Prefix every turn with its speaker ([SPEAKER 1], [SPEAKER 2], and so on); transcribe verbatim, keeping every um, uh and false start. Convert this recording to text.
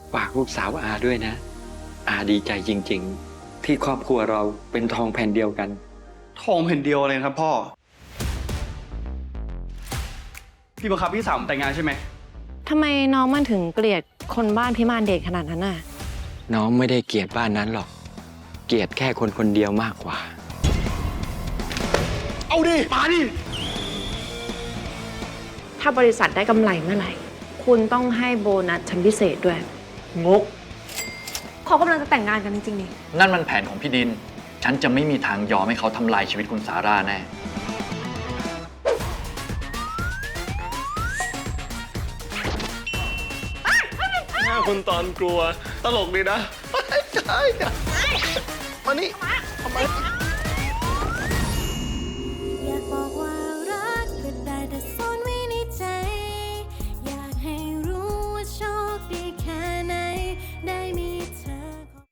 [SPEAKER 1] ฝากลูกสาวอาด้วยนะ อาดีใจจริงๆ ที่ครอบครัวเราเป็นทองแผ่นเดียวกัน
[SPEAKER 2] ทองแผ่นเดียวเลยครับพ่อ พี่บังคับพี่สาวผมแต่งงานใช่ไหม
[SPEAKER 3] ทำไมน้องมันถึงเกลียดคนบ้านพิมานเดชขนาดนั้นน่ะ
[SPEAKER 1] น้องไม่ได้เกลียดบ้านนั้นหรอก เกลียดแค่คนคนเดียวมากกว่า
[SPEAKER 2] เอาดิมาดิ
[SPEAKER 3] ถ้าบริษัทได้กำไรเมื่อไหร่ คุณต้องให้โบนัสชั้นพิเศษด้วย
[SPEAKER 4] งก
[SPEAKER 5] เขากำลังจะแต่งงานกันจริงๆนี่
[SPEAKER 4] นั่นมันแผนของพี่ดิน ฉันจะไม่มีทางยอมให้เขาทำลายชีวิตคุณสาราแน่
[SPEAKER 2] หน้าคุณตอนกลัว ตลกดีนะใช่มานี่ทำไม